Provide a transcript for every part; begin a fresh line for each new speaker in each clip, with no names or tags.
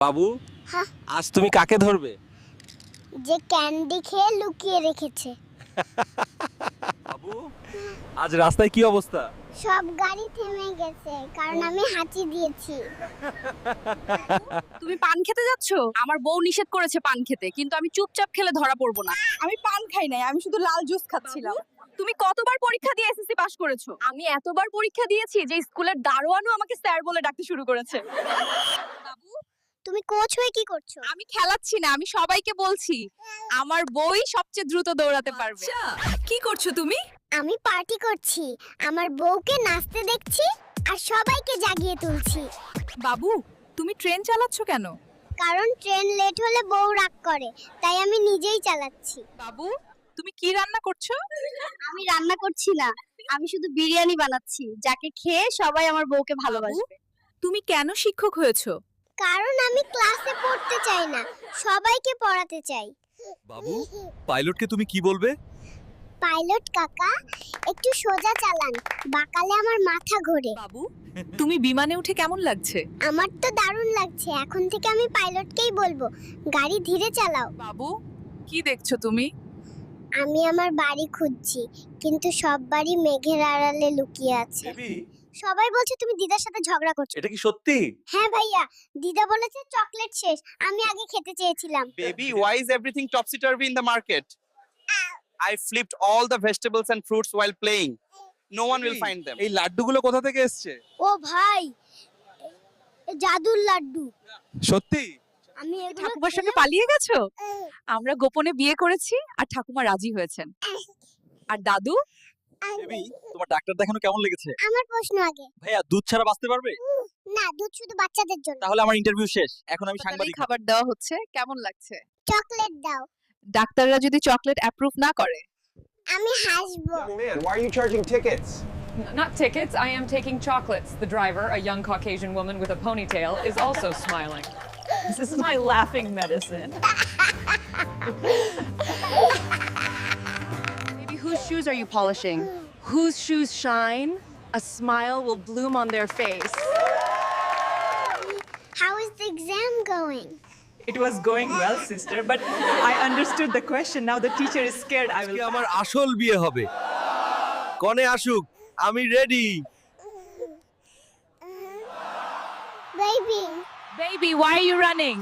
বাবু,
হ্যাঁ,
আজ তুমি কাকে ধরবে?
যে ক্যান্ডি খেয়ে লুকিয়ে রেখেছে।
বাবু, আজ রাস্তায় কি অবস্থা?
সব গাড়ি থেমে গেছে কারণ আমি হাঁচি দিয়েছি।
তুমি পান খেতে যাচ্ছ? আমার বউ নিষেধ করেছে পান খেতে, কিন্তু আমি চুপচাপ খেলে ধরা পড়বো না। আমি পান খাই নাই, আমি শুধু লাল জুস খাচ্ছিলাম। তুমি কতবার পরীক্ষা দিয়ে এসএসসি পাস করেছো? আমি এতবার পরীক্ষা দিয়েছি যে স্কুলের দারোয়ানও আমাকে স্যার বলে ডাকতে শুরু করেছে। বাবু,
তুমি কোচ হয়ে কি করছো?
আমি খেলাচ্ছি না, আমি সবাইকে বলছি আমার বই সবচেয়ে দ্রুত দৌড়াতে পারবে। কি করছো তুমি?
আমি পার্টি করছি, আমার বউকে নাচতে দেখছি আর সবাইকে জাগিয়ে তুলছি।
বাবু, তুমি ট্রেন চালাচ্ছ কেন?
কারণ ট্রেন লেট হলে বউ রাগ করে, তাই আমি নিজেই চালাচ্ছি।
বাবু, তুমি কি রান্না করছো?
আমি রান্না করছি না, আমি শুধু বিরিয়ানি বানাচ্ছি, যাকে খেয়ে সবাই আমার বউকে ভালোবাসবে।
তুমি কেন শিক্ষক হয়েছো?
কারণ আমি ক্লাসে পড়তে চাই না, সবাইকে পড়াতে চাই।
বাবু, পাইলটকে তুমি কি বলবে?
পাইলট কাকা, একটু সোজা চালান, বাঁকালে আমার মাথা ঘোরে।
বাবু, তুমি বিমানে উঠে কেমন লাগছে?
আমার তো দারুণ লাগছে, এখন থেকে আমি পাইলটকেই বলবো গাড়ি ধীরে চালাও।
বাবু, কি দেখছো তুমি?
আমি আমার বাড়ি খুঁজছি, কিন্তু সব বাড়ি মেঘের আড়ালে লুকিয়ে আছে।
বেবি,
সবাই বলছে তুমি দিদার সাথে ঝগড়া করছো।
এটা কি সত্যি?
হ্যাঁ ভাইয়া, দিদা বলেছে চকলেট শেষ, আমি আগে খেতে চেয়েছিলাম।
Baby, why is everything topsy-turvy in the market? I flipped all the vegetables and fruits while playing. No one will find them.
এই লাড্ডুগুলো কোথা থেকে এসেছে?
ও ভাই, এ জাদুর লাড্ডু।
সত্যি?
আমি এগুলো
ঠাকুমার সঙ্গে
খেলে-
পালিয়ে গেছো? আমরা গোপনে বিয়ে করেছি আর ঠাকুমা রাজি হয়েছেন। আর দাদু?
বেবি, তোমার ডাক্তার দেখানো কেমন লেগেছে?
আমার প্রশ্ন আগে।
ভাইয়া, দুধ ছাড়া বাঁচতে পারবে?
না, দুধ শুধু বাচ্চাদের জন্য।
তাহলে আমার ইন্টারভিউ শেষ, এখন আমি
হাসপাতালেই
সাংবাদিক।
খাবার দেওয়া হচ্ছে, কেমন লাগছে?
চকলেট দাও।
ডাক্তাররা যদি চকলেট অ্যাপ্রুভ না করে?
আমি হাসবো।
Young man, why are you charging tickets?
Not tickets, I am taking chocolates. The driver, a young Caucasian woman with a ponytail, is also smiling. This is my laughing medicine.
Baby, whose shoes are you polishing? Whose shoes shine? A smile will bloom on their face.
How is the exam going?
It was going well, sister, but I understood the question. Now the teacher is scared. I
আজকে
will.
আমার আসল বিয়ে হবে। কনে আসুক, আমি ready.
Baby,
Baby, why are you running?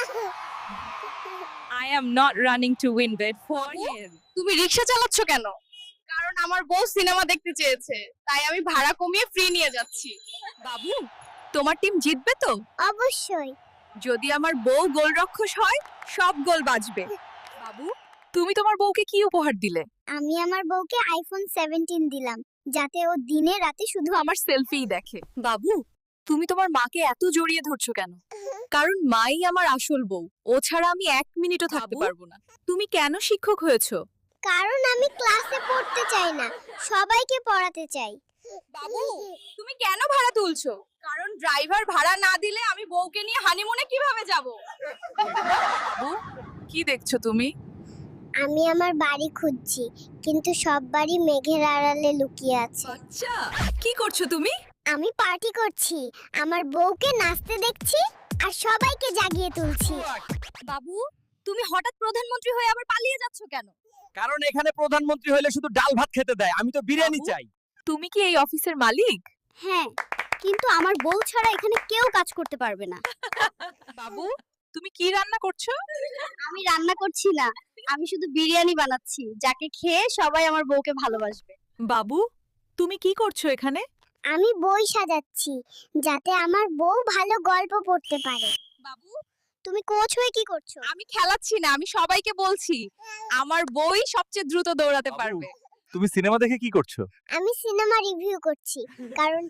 I am not running to win bed for you. তুমি রিকশা চালাচ্ছ কেন? কারণ আমার বউ সিনেমা দেখতে চেয়েছে, তাই আমি ভাড়া কমিয়ে ফ্রি নিয়ে যাচ্ছি। বাবু, তোমার টিম জিতবে তো?
অবশ্যই।
যদি আমার বউ গোলরক্ষক হয়, সব গোল বাজবে। বাবু, তুমি তোমার বউকে কি উপহার দিলে?
আমি আমার বউকে আইফোন 17 দিলাম, যাতে ও দিনে রাতে শুধু
আমার সেলফিই দেখে। বাবু, তুমি তোমার মাকে এত জড়িয়ে ধরছো কেন? কারণ মাই আমার আসল বউ, ও ছাড়া আমি 1 মিনিটও থাকতে পারবো না। তুমি কেন শিক্ষক হয়েছো?
কারণ আমি ক্লাসে পড়তে চাই না, সবাইকে পড়াতে চাই।
বাবু, তুমি কেন ভাড়া তুলছো? কারণ ড্রাইভার ভাড়া না দিলে আমি বউকে নিয়ে হানিমুনে কিভাবে যাব? বাবু, কি দেখছো তুমি?
আমি আমার বাড়ি খুঁজছি, কিন্তু সব বাড়ি মেঘের আড়ালে লুকিয়ে আছে।
আচ্ছা, কি করছো তুমি?
আমি পার্টি করছি, আমার বউকে নাচতে দেখছি আর সবাইকে জাগিয়ে তুলছি।
বাবু, তুমি হঠাৎ প্রধানমন্ত্রী হয়ে আবার পালিয়ে যাচ্ছ কেন?
কারণ এখানে প্রধানমন্ত্রী হলে শুধু ডাল ভাত খেতে দেয়, আমি তো বিরিয়ানি
বাবু?
চাই।
তুমি কি এই অফিসের মালিক?
হ্যাঁ, কিন্তু আমার বউ ছাড়া এখানে কেউ কাজ করতে পারবে না।
বাবু, তুমি কি রান্না করছো?
আমি রান্না করছি না, আমি শুধু বিরিয়ানি বানাচ্ছি, যাকে খেয়ে সবাই আমার বউকে ভালোবাসবে।
বাবু, তুমি কি করছো এখানে?
আমি বই সাজাচ্ছি, যাতে আমার বউ ভালো গল্প পড়তে পারে।
বাবু,
তুমি কোচ হয়ে কি করছো?
আমি খেলাচ্ছি না, আমি সবাইকে বলছি আমার বই সবচেয়ে দ্রুত দৌড়াতে
বাবু।
পারবে।
তুমি সিনেমা দেখে কি করছো?
আমি সিনেমা রিভিউ করছি, কারণ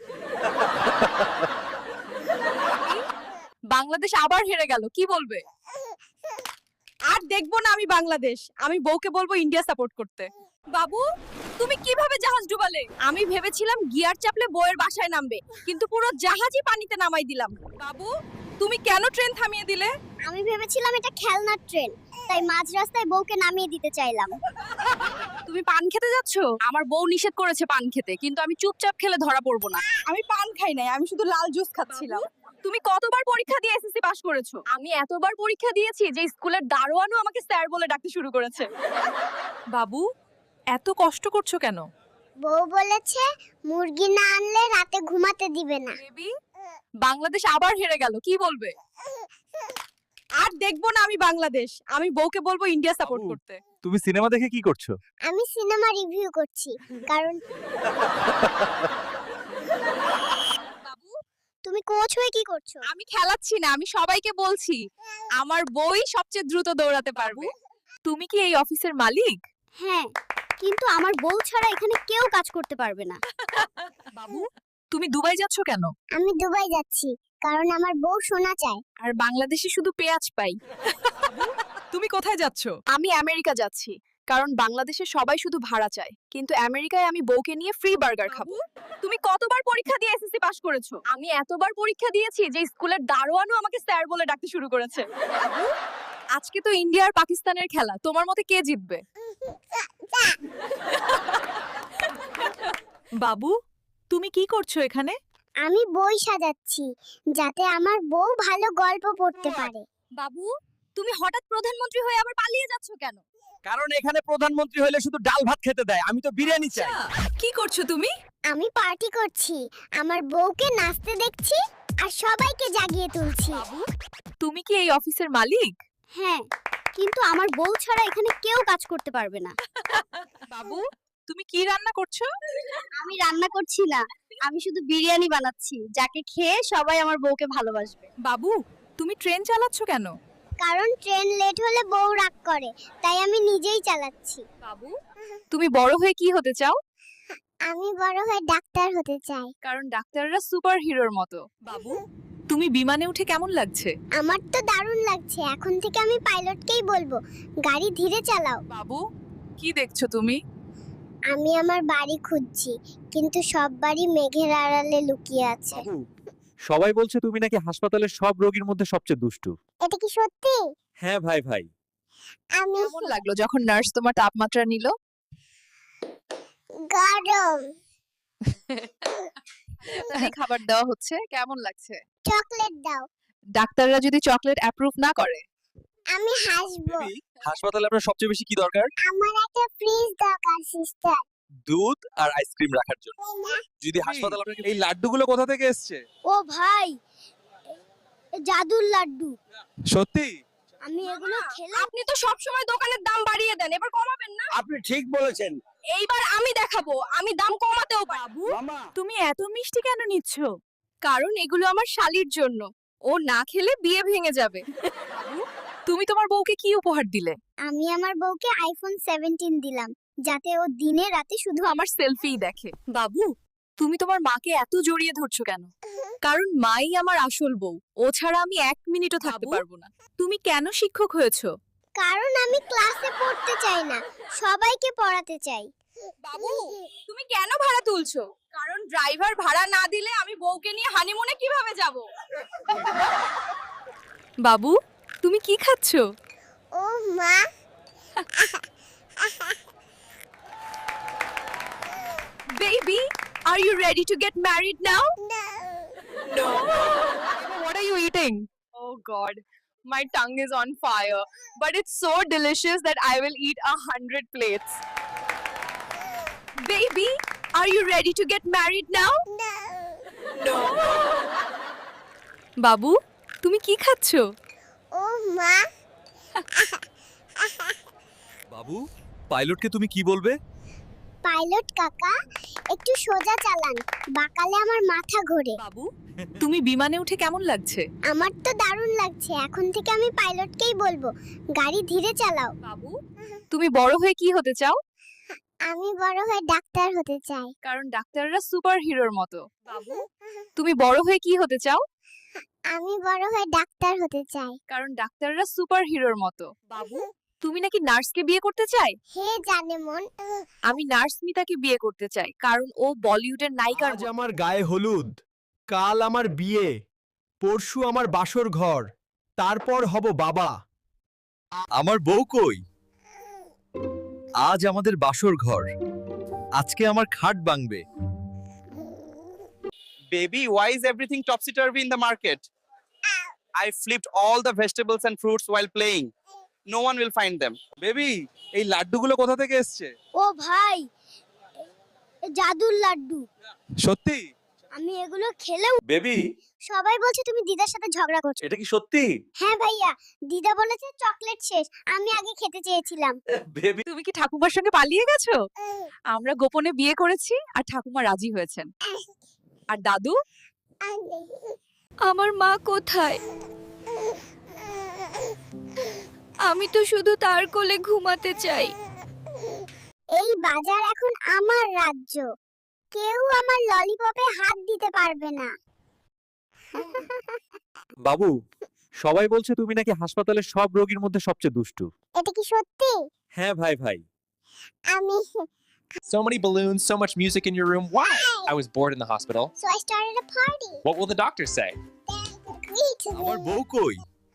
বাংলাদেশ আবার হেরে গেল, কি বলবে? আর দেখবো না আমি বাংলাদেশ, আমি বউকে বলবো ইন্ডিয়া সাপোর্ট করতে। বাবু, তুমি কিভাবে জাহাজ ডুবালে? আমি ভেবেছিলাম গিয়ার চাপলে বউয়ের বাসায় নামবে, কিন্তু পুরো জাহাজই পানিতে নামাই দিলাম। বাবু, তুমি কেন ট্রেন থামিয়ে দিলে?
আমি ভেবেছিলাম এটা খেলনার ট্রেন, তাই মাঝ রাস্তায় বউকে নামিয়ে দিতে চাইলাম।
তুমি পান খেতে যাচ্ছ? আমার বউ নিষেধ করেছে পান খেতে, কিন্তু আমি চুপচাপ খেলে ধরা পড়বো না। আমি পান খাই নাই, আমি শুধু লাল জুস খাচ্ছিলাম। তুমি কতবার পরীক্ষা দিয়ে এসএসসি পাস করেছো? আমি এতবার পরীক্ষা দিয়েছি যে স্কুলের দারোয়ানও আমাকে স্যার বলে ডাকতে শুরু করেছে।
বাবু এত কষ্ট করছো কেন?
বউ বলেছে মুরগি না আনলে রাতে ঘুমাতে দিবে না।
বেবি, বাংলাদেশ আবার হেরে গেল, কি বলবে? আর দেখবো না আমি বাংলাদেশ, আমি বউকে বলবো ইন্ডিয়া সাপোর্ট
বাবু।
করতে।
তুমি সিনেমা দেখে কি করছো?
আমি সিনেমা রিভিউ করছি কারণ তুমি কোচ হয়ে কি করছো?
আমি খেলাচ্ছি না, আমি সবাইকে বলছি আমার বই সবচেয়ে দ্রুত দৌড়াতে পারবে। তুমি কি এই অফিসের মালিক?
হ্যাঁ, কিন্তু আমার বউ ছাড়া এখানে কেউ কাজ করতে পারবে না।
বাবু, তুমি দুবাই যাচ্ছ কেন?
আমি দুবাই যাচ্ছি কারণ আমার বউ সোনা চায়।
আর বাংলাদেশে শুধু পেঁয়াজ পাই।
তুমি কোথায় যাচ্ছ?
আমি আমেরিকা যাচ্ছি কারণ বাংলাদেশে সবাই শুধু ভাড়া চায়, কিন্তু আমেরিকায় আমি বউকে নিয়ে ফ্রি বার্গার খাবো। তুমি কতবার পরীক্ষা দিয়ে এসএসসি পাস করেছো? আমি এতবার পরীক্ষা দিয়েছি যে স্কুলের দারোয়ানও আমাকে স্যার বলে ডাকতে শুরু করেছে। আজকে তো ইন্ডিয়া আর পাকিস্তানের খেলা, তোমার মতে কে জিতবে?
বাবু তুমি কি করছো এখানে?
আমি বই সাজাচ্ছি যাতে আমার বউ ভালো গল্প পড়তে পারে।
বাবু, তুমি হঠাৎ প্রধানমন্ত্রী হয়ে আবার পালিয়ে যাচ্ছ কেন?
কারণ এখানে প্রধানমন্ত্রী হলে শুধু ডাল ভাত খেতে দেয়, আমি তো বিরিয়ানি চাই।
কি করছো তুমি?
আমি পার্টি করছি, আমার বউকে নাচতে দেখছি আর সবাইকে জাগিয়ে তুলছি।
তুমি কি এই অফিসের মালিক?
হ্যাঁ, কিন্তু আমার বউ ছাড়া এখানে কেউ কাজ করতে পারবে না।
বাবু, তুমি কি রান্না করছো?
আমি রান্না করছি না, আমি শুধু বিরিয়ানি বানাচ্ছি যাকে খেয়ে সবাই আমার বউকে ভালোবাসবে।
বাবু, তুমি ট্রেন চালাচ্ছ কেন?
কারণ ট্রেন লেট হলে বউ রাগ করে, তাই আমি নিজেই চালাচ্ছি।
বাবু, তুমি বড় হয়ে কি হতে চাও?
আমি বড় হয়ে ডাক্তার হতে চাই।
কারণ ডাক্তাররা সুপার হিরোর মতো।
বাবু তুমি বিমানে উঠে কেমন লাগছে?
আমার তো দারুণ লাগছে, এখন থেকে আমি পাইলটকেই বলবো গাড়ি ধীরে চালাও।
বাবু কি দেখছো তুমি?
আমি আমার বাড়ি খুঁজছি, কিন্তু সব বাড়ি মেঘের আড়ালে লুকিয়ে আছে।
বাবু, সবাই বলছে তুমি নাকি হাসপাতালের সব রোগীর মধ্যে সবচেয়ে দুষ্টু।
এটা কি সত্যি?
হ্যাঁ ভাই ভাই।
আমি
কেমন লাগলো যখন নার্স তোমার তাপমাত্রা নিল?
গরম।
খাবার দেওয়া হচ্ছে, কেমন লাগছে?
চকলেট দাও।
ডাক্তাররা যদি চকলেট অ্যাপ্রুভ না করে?
আমি হাসবো।
হাসপাতালে আপনার সবচেয়ে বেশি কি দরকার?
আমার একটা ফ্রিজ দরকার সিস্টার।
দুধ আর আইসক্রিম রাখার জন্য। যদি হাসপাতাল আপনাকে
এই লাড্ডুগুলো কোথা থেকে এসছে?
ও ভাই, জাদুর লাড্ডু।
সত্যি?
আমি এগুলো খেলাম।
আপনি তো সব সময় দোকানের দাম বাড়িয়ে দেন, এবার কমাবেন না?
আপনি ঠিক বলেছেন।
এইবার আমি দেখাবো, আমি দাম কমাতেও পারবো।
মামা,
তুমি এত মিষ্টি কেন নিচ্ছ?
কারণ এগুলো আমার শালির জন্য, ও না খেলে বিয়ে ভেঙে যাবে।
তুমি তোমার বউকে কি উপহার দিলে?
আমি আমার বউকে আইফোন 17 দিলাম যাতে ও দিনে রাতে শুধু
আমার সেলফিই দেখে। বাবু, তুমি তোমার মাকে এত জড়িয়ে ধরছো কেন? কারণ মাই আমার আসল বউ, ও ছাড়া আমি 1 মিনিটও থাকতে
বাবু?
পারবো না।
তুমি কেন শিক্ষক হয়েছো?
কারণ আমি ক্লাসে পড়তে চাই না, সবাইকে পড়াতে চাই।
বাবু, তুমি কেন ভাড়া তুলছো? কারণ ড্রাইভার ভাড়া না দিলে আমি বউকে নিয়ে হানিমুনে কিভাবে যাব? বাবু, তুমি কি খাচ্ছো?
ও মা,
Baby, are you ready to get married now? No. What are you eating? Oh God, my tongue is on fire. But it's so delicious that I will eat 100 plates. Baby, are you ready to get married now? No. বাবু, তুমি কি খাচ্ছো?
ও মা,
বাবু, পাইলটকে তুমি কি বলবে?
Pilot কাকা একটু সোজা চালান, বাকালে আমার মাথা ঘোরে।
বাবু তুমি বিমানে উঠে কেমন লাগছে?
আমার তো দারুণ লাগছে, এখন থেকে আমি পাইলটকেই বলবো গাড়ি ধীরে চালাও।
বাবু, তুমি বড় হয়ে কি হতে চাও?
আমি বড় হয়ে ডাক্তার হতে চাই।
কারণ ডাক্তাররা সুপার হিরোর মতো। বাবু, তুমি বড় হয়ে কি হতে চাও?
আমি বড় হয়ে ডাক্তার হতে চাই।
কারণ ডাক্তাররা সুপার হিরোর মতো। বাবু, তুমি নাকি নার্সকে বিয়ে করতে চাই?
হে জানে মন,
আমি নার্স মিতাকে বিয়ে করতে চাই কারণ ও বলিউডের নায়িকার
আজ আমার গায়ে হলুদ, কাল আমার বিয়ে, পরশু আমার বাসর ঘর, তারপর হব বাবা।
আমার বউ কই? আজ আমাদের বাসর ঘর, আজকে আমার খাট ভাঙবে।
Baby, why is everything topsy-turvy in the market? I flipped all the vegetables and fruits while playing. No one will find them.
Baby এই লাড্ডুগুলো কোথা থেকে এসছে?
ও ভাই জাদুর লাড্ডু
সত্যি?
আমি এগুলো খেলেও
বেবি
সবাই বলছে তুমি দিদার সাথে ঝগড়া করছো।
এটা কি সত্যি?
হ্যাঁ ভাইয়া, দিদা বলেছে চকলেট শেষ, আমি আগে খেতে চেয়েছিলাম।
বেবি
তুমি কি ঠাকুমার সঙ্গে পালিয়ে গেছো? আমরা গোপনে বিয়ে করেছি আর ঠাকুমা রাজি হয়েছেন। আর দাদু? আমার মা কোথায়? আমি তো শুধু তার কোলে ঘুমাতে চাই।
এই বাজার এখন আমার রাজ্য, কেউ আমার ললিপপে হাত দিতে পারবে না।
বাবু সবাই বলছে তুমি নাকি হাসপাতালের সব রোগীর মধ্যে সবচেয়ে দুষ্টু।
এটা কি সত্যি?
হ্যাঁ ভাই ভাই।
আমি
So many balloons, so much music in your room. Why? I was bored in the hospital.
So I started a party.
What will the doctor say?
আমার বউ কই?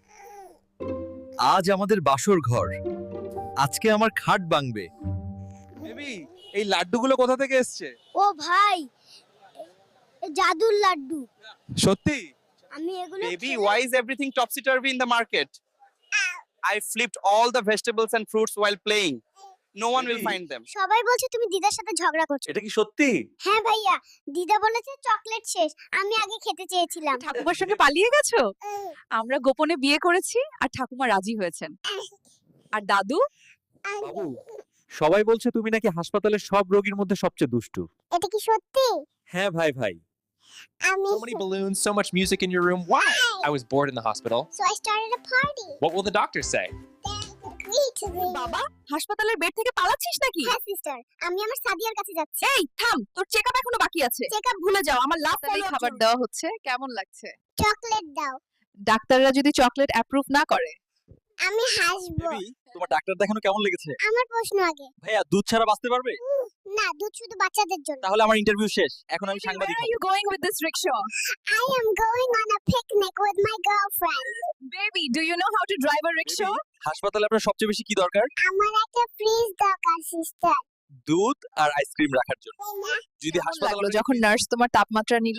আজ আমাদের বাসর ঘর, আজকে আমার খাট ভাঙবে। বেবি এই লাড্ডুগুলো কোথা থেকে এসছে?
ও ভাই জাদুর লাড্ডু।
সত্যি?
আমি এগুলো
Baby, why is everything topsy-turvy in the market? I flipped all the vegetables and fruits while playing. No one will
Baby.
find them.
সবাই বলছে তুমি দিদার সাথে ঝগড়া করছো।
এটা কি সত্যি?
হ্যাঁ ভাইয়া, দিদা বলেছে চকলেট শেষ, আমি আগে খেতে চেয়েছিলাম।
ঠাকুমার সঙ্গে পালিয়ে গেছো? আমরা গোপনে বিয়ে করেছি আর ঠাকুমা রাজি হয়েছেন। আর দাদু?
বাবু সবাই বলছে তুমি নাকি হাসপাতালের সব রোগীর মধ্যে সবচেয়ে দুষ্টু।
এটা কি সত্যি?
হ্যাঁ ভাই ভাই।
আমি
So many balloons, so much music in your room. Why? I was bored in the hospital.
So I started a party.
What will the doctor say?
বাবা, হাসপাতালের বেড থেকে পালাচ্ছিস নাকি?
হ্যাঁ সিস্টার, আমি আমার সাদিয়ার কাছে যাচ্ছি।
এই থাম, তোর চেকআপ এখনো বাকি আছে।
চেকআপ
ভুলে যাও, আমার লাভ
follow-up
খাবার
চলবে।
দেওয়া হচ্ছে, কেমন লাগছে?
চকলেট দাও।
ডাক্তাররা যদি চকলেট অ্যাপ্রুভ না করে?
আমি হাসবো।
বেবি তোমার ডাক্তার দেখানো কেমন লেগেছে?
আমার প্রশ্ন আগে।
ভাইয়া দুধ ছাড়া বাঁচতে পারবে?
না, দুধ শুধু বাচ্চাদের জন্য।
তাহলে আমার ইন্টারভিউ শেষ, এখন আমি সাংবাদিক
Where are
হব।
you going with this rickshaw?
I am going on a picnic with my girlfriend.
Baby, do you know how to drive a rickshaw?
Baby, হাসপাতালে আপনার সবচেয়ে বেশি কি দরকার?
আমার একটা ফ্রিজ দরকার সিস্টার।
দুধ আর আইসক্রিম রাখার জন্য। যদি
কেমন
হাসপাতালে
লাগলো যখন নার্স তোমার তাপমাত্রা নিল?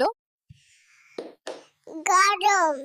গরম।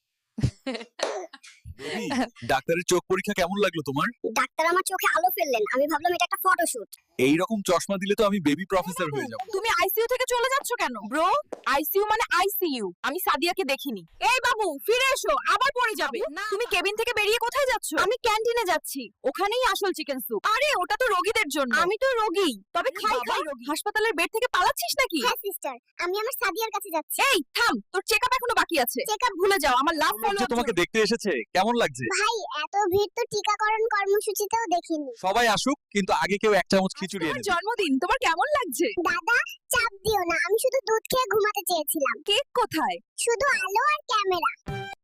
বেবি, ডাক্তারের চোখ পরীক্ষা কেমন লাগলো তোমার?
ডাক্তার আমার চোখে আলো ফেললেন, আমি ভাবলাম এটা একটা ফটোশুট।
এই রকম চশমা দিলে তো আমি বেবি প্রফেসর হয়ে যাব।
তুমি আইসিইউ থেকে চলে যাচ্ছ কেন? ব্রো, আইসিইউ মানে আইসিইউ। আমি সাদিয়াকে দেখিনি। এই বাবু, ফিরে এসো, আবার পড়ে যাবে। তুমি কেবিন থেকে বেরিয়ে কোথায় যাচ্ছ? আমি ক্যান্টিনে যাচ্ছি, ওখানেই আসল চিকেন স্যুপ। আরে ওটা তো রোগীদের জন্য। আমি তো রোগী, তবে খাই রোগী। হাসপাতালের বেড থেকে পালাচ্ছিস নাকি?
হ্যাঁ সিস্টার, আমি আমার সাদিয়ার কাছে যাচ্ছি।
এই থাম, তোর চেকআপ এখনো বাকি আছে।
চেকআপ
ভুলে যাও, আমার লাভ
লোক যে তোমাকে দেখতে এসেছে, কেমন লাগছে?
ভাই, এত ভিড় তো টিকাকরণ কর্মসূচিতেও দেখিনি।
সবাই আসুক, কিন্তু আগে কেউ এক চামচ খিচুড়ি
তোমার
এনে দিন।
জন্মদিন, তোমার কেমন লাগছে?
দাদা, চাপ দিও না, আমি শুধু দুধ খেয়ে ঘুমাতে চেয়েছিলাম।
কেক কোথায়?
শুধু আলো আর ক্যামেরা।